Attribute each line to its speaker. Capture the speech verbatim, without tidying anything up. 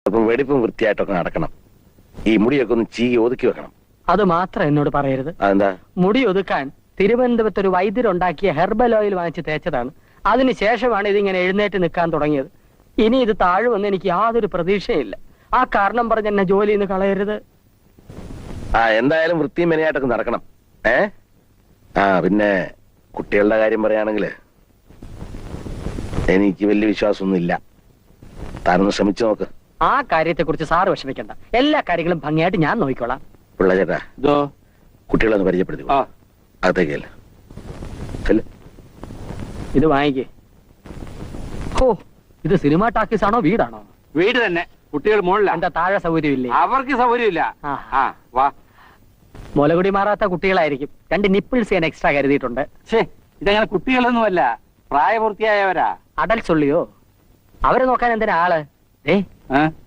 Speaker 1: അപ്പം വെടിപ്പും വൃത്തിയായിട്ടൊക്കെ നടക്കണം. ഈ മുടിയൊക്കെ ഒന്ന് ചീകി ഒതുക്കി വെക്കണം.
Speaker 2: അത് മാത്രം എന്നോട് പറയരുത്.
Speaker 1: അതെന്താ?
Speaker 2: മുടി ഒതുക്കാൻ തിരുവനന്തപുരത്ത് ഒരു വൈദ്യരുണ്ടാക്കിയ ഹെർബൽ ഓയിൽ വാങ്ങിച്ച് തേച്ചതാണ്. അതിനുശേഷമാണ് ഇതിങ്ങനെ എഴുന്നേറ്റ് നിൽക്കാൻ തുടങ്ങിയത്. ഇനി ഇത് താഴുമെന്ന് എനിക്ക് യാതൊരു പ്രതീക്ഷയില്ല. ആ കാരണം പറഞ്ഞ് എന്നെ ജോലിയിൽ നിന്ന് കളയരുത്.
Speaker 1: ആ എന്തായാലും വൃത്തിയും മെനയായിട്ടൊക്കെ നടക്കണം. ഏ ആ പിന്നെ കുട്ടികളുടെ കാര്യം പറയുകയാണെങ്കിൽ എനിക്ക് വലിയ വിശ്വാസമൊന്നും ഇല്ല. താനൊന്ന് ശ്രമിച്ചു നോക്ക്.
Speaker 2: ആ കാര്യത്തെ കുറിച്ച് സാറ് വിഷമിക്കണ്ട. എല്ലാ കാര്യങ്ങളും ഭംഗിയായിട്ട് ഞാൻ നോക്കിക്കോളാം.
Speaker 1: പിള്ള ചേട്ടാ, കുട്ടികളൊന്ന് പരിചയപ്പെടുത്തി അകത്തേക്കല്ല.
Speaker 2: ഇത് വാങ്ങിക്കേ. ഓ, ഇത് സിനിമ ടാക്കീസ് ആണോ വീടാണോ?
Speaker 3: വീട് തന്നെ. കുട്ടികൾ മുകളിലാണ്.
Speaker 2: എന്താ താഴെ സൗകര്യമില്ലേ?
Speaker 3: അവർക്ക് സൗകര്യമില്ല.
Speaker 2: മുലകുടി മാറാത്ത കുട്ടികളായിരിക്കും. രണ്ട് നിപ്പിൾസ് ഞാൻ എക്സ്ട്രാ കരുതിയിട്ടുണ്ട്.
Speaker 3: ഇതങ്ങനെ കുട്ടികളൊന്നുമല്ല, പ്രായപൂർത്തിയായവരാ.
Speaker 2: അടൽസ് ഉള്ളിയോ? അവരെ നോക്കാൻ എന്തിനാ ആള്? ഏ